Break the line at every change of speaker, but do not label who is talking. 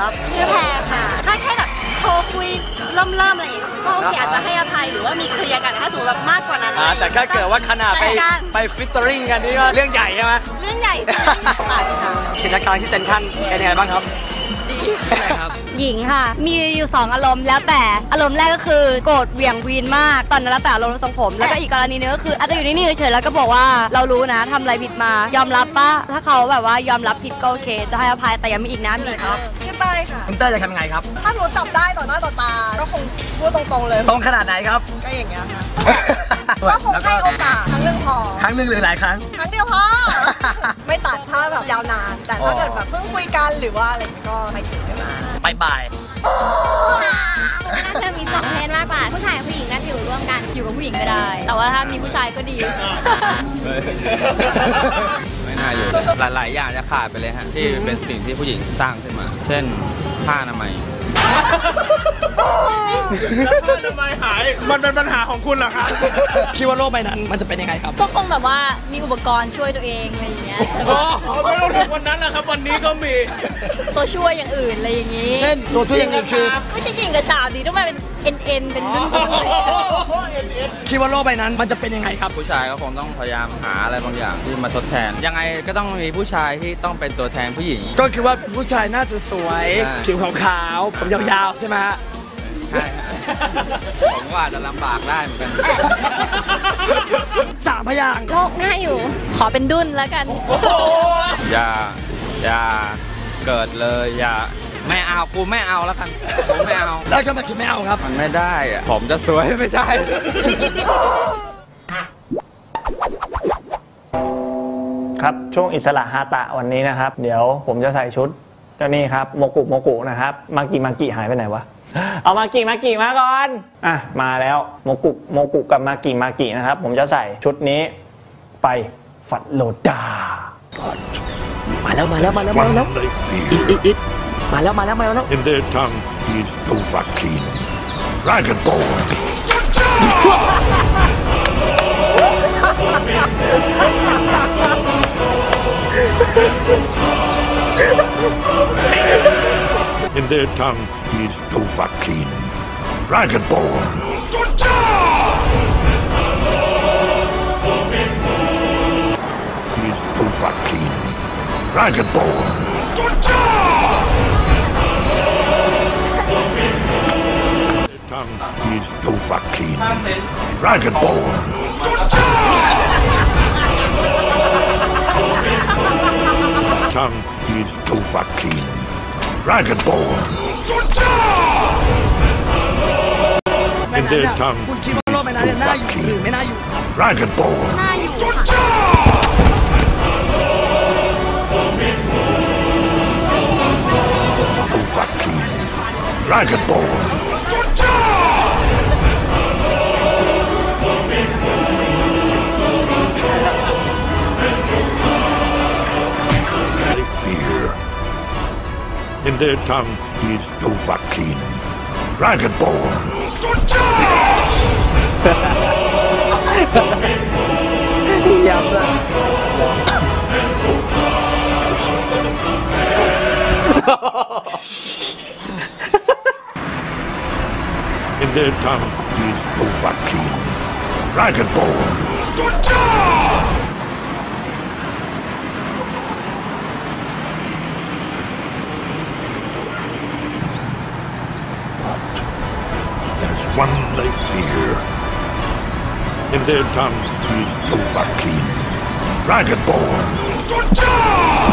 ชื่อแพรค่ะถ้าแค่แบบโทรคุยเริ่มอะไรอย่างเงี้ยก็โอเคอาจจะให้อภัยหรือว่ามีเคลียร์กันถ้าสมมติแบบมากกว่านั้น
แต่ถ้าเกิดว่าขนาดไปฟิตเตอริ่งกันนี่ก็เรื่องใหญ่ใช่ไหม
เรื่องใหญ่
กิจการที่เซ็นทรัลเป็นยังไงบ้างครับ
ดี
ครับหญิงค่ะมีอยู่2อารมณ์แล้วแต่อารมณ์แรกก็คือโกรธเหวี่ยงวีนมากตอนนั้นแล้วแต่อารมณ์ทรงผมแล้วก็อีกกรณีนึงก็คืออาจจะอยู่นิ่งๆเฉยๆแล้วก็บอกว่าเรารู้นะทำอะไรผิดมายอมรับป่ะถ้าเขาแบบว่ายอมรับผิดก็โอเคจะให้อภัยแต่ยังมีอีกนะมีครับ
ชื่อเต้ยค่ะ
คุณเต้ยจะทำยังไงครับ
ถ้าหนูจับได้ต่อหน้าต่อตาก็คงพูดตรงๆเลย
ตรงขนาดไหนครับ
ก็อย่างเงี้ยค่ะก็คงให้โอกาสครั้งหนึ่งพอ
ครั้งหนึ่งหรือหลายครั้ง
ครั้งเดียวพอไม่ตัดถ้าแบบยาวนานแต่ถ้าเกิดแบบเพิ่งคุยกันหรือว่าอะไรก็ไม่ถึง
บ่าย
น่าจะมี2เพศมากกว่าผู้ชายกับผู้หญิงน่าจะอยู่ร่วมกันอยู่กับผู้หญิงก็ได้แต่ว่าถ้ามีผู้ชายก็ดี
ไม่น่าอยู่หลายๆอย่างจะขาดไปเลยฮะที่เป็นสิ่งที่ผู้หญิงสร้างขึ้นมาเช่นผ้าอนามัย
แล้วผ้าอนามัยหายมันเป็นปัญหาของคุณเหรอครับคิดว่าโลกใบนั้นมันจะเป็นยังไงครับ
ก็คงแบบว่ามีอุปกรณ์ช่วยตัวเองอะไรอย่างเงี้ย
ไม่ต้องถึงวันนั้นแหละครับวันนี้ก็มี
ตัวช่วยอย่างอื่นอะไรอย่างงี้
เช่นตัวช่วยอย่างอื่นคือ
ไม่ใช่ชิงกระชาดีต้องมาเป็นเอ็นเป็นนุ่น
คิดว่าโลกใบนั้นมันจะเป็นยังไงครับ
ผู้ชายก็คงต้องพยายามหาอะไรบางอย่างที่มาทดแทนยังไงก็ต้องมีผู้ชายที่ต้องเป็นตัวแทนผู้หญิง
ก็คือว่าผู้ชายหน้าสวยผิวขาวๆผมยาวๆใช่ไหมฮะ
ใช่ผมว่าจะลำบากได้เหมือนกัน
3 พยางค์
โลกง่ายอยู่ขอเป็นดุ้นแล้วกัน
อย่าเกิดเลยอย่าไม่เอากูไม่เอาแล้วกันกูไม่เอา
แล้วทำไมถึงไม่เอาครับ
มันไม่ได้อะผมจะสวยไม่ใช่
ครับช่วงอิสระฮาตะวันนี้นะครับเดี๋ยวผมจะใส่ชุดเจ้านี่ครับโมกุนะครับมากิหายไปไหนวะเอามากิมาก่อนมาแล้วโมกุกับมากินะครับผมจะใส่ชุดนี้ไปฟัดโลดา
มาแล้วอิดมาแล้ว
In their tongue is Dovahkiin Dragonborn In their tongue is Dovahkiin Dragonborn Is Dovahkiin Dragonborn Tongue is Dovahkiin Dragonborn Tongue is Dovahkiin Dragonborn In their tongue is Dovahkiin Dragonborn Dovahkiin Dragonborn They fear In their tongue is Dovahkiin Dragonborn In their tongue is Dovahkiin Dragonborn But there's one they fear In their tongue is Dovahkiin Dragonborn